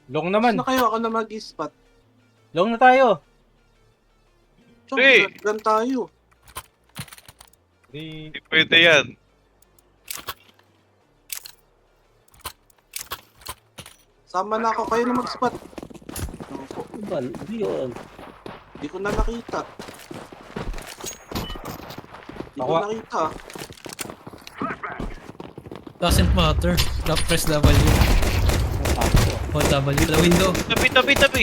Long Mas naman. na kayo, ako na mag-spot. Long na tayo. Chong, Hey! gan tayo. Di... Hindi pwede yan. Sama na ako, kayo na mag-spot. Ako, Ba, hindi yun. Hindi ko na nakita. Hindi ko Ako- nakita. Doesn't matter. Press W. Hold W. The window. Tabi, tabi, tabi.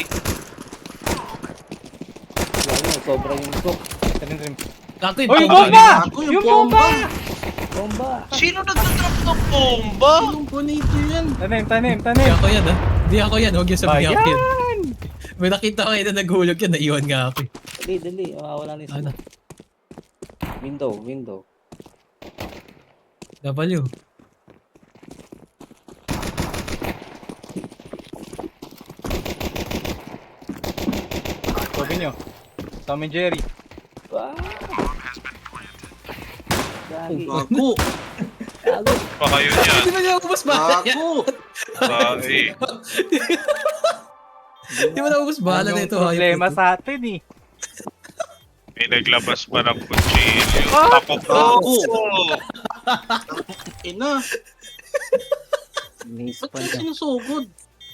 Wala na, sobra yung cook. Trim. Gago Oh, yung bomba! bomba! Ako, yung Yung bomba! Bomba! Sino nagtatrap ng bomba? Yung bonito yan. Tanim. Hindi ako yan ha. Hindi ako yan. Huwag yung sabihin ako yan. Bayan! May nakita ko yun na naghulog yan. Naiwan nga ako eh. Dali. Mawawala na yung Ano? Window. W. Sabi nyo. Tom and Jerry. Ah! Gagi. Gago. Gago. Pa kayo niyan. Hindi ba niya ubus bala yan? Gago. Bakit? Hindi mo na ubus bala na Yung ito. problema hayop na to. sa atin eh. May naglabas pa ng kutsilyo. Ah! Tako po. Gago. Ina. Nice Ba't pa ka niya. sinusugod?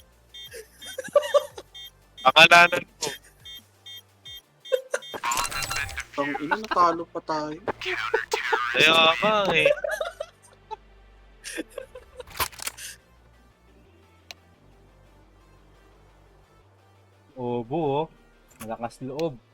Akalanan ko. Ang ina, natalo pa tayo. Kaya nga eh. Obo oh. Malakas loob.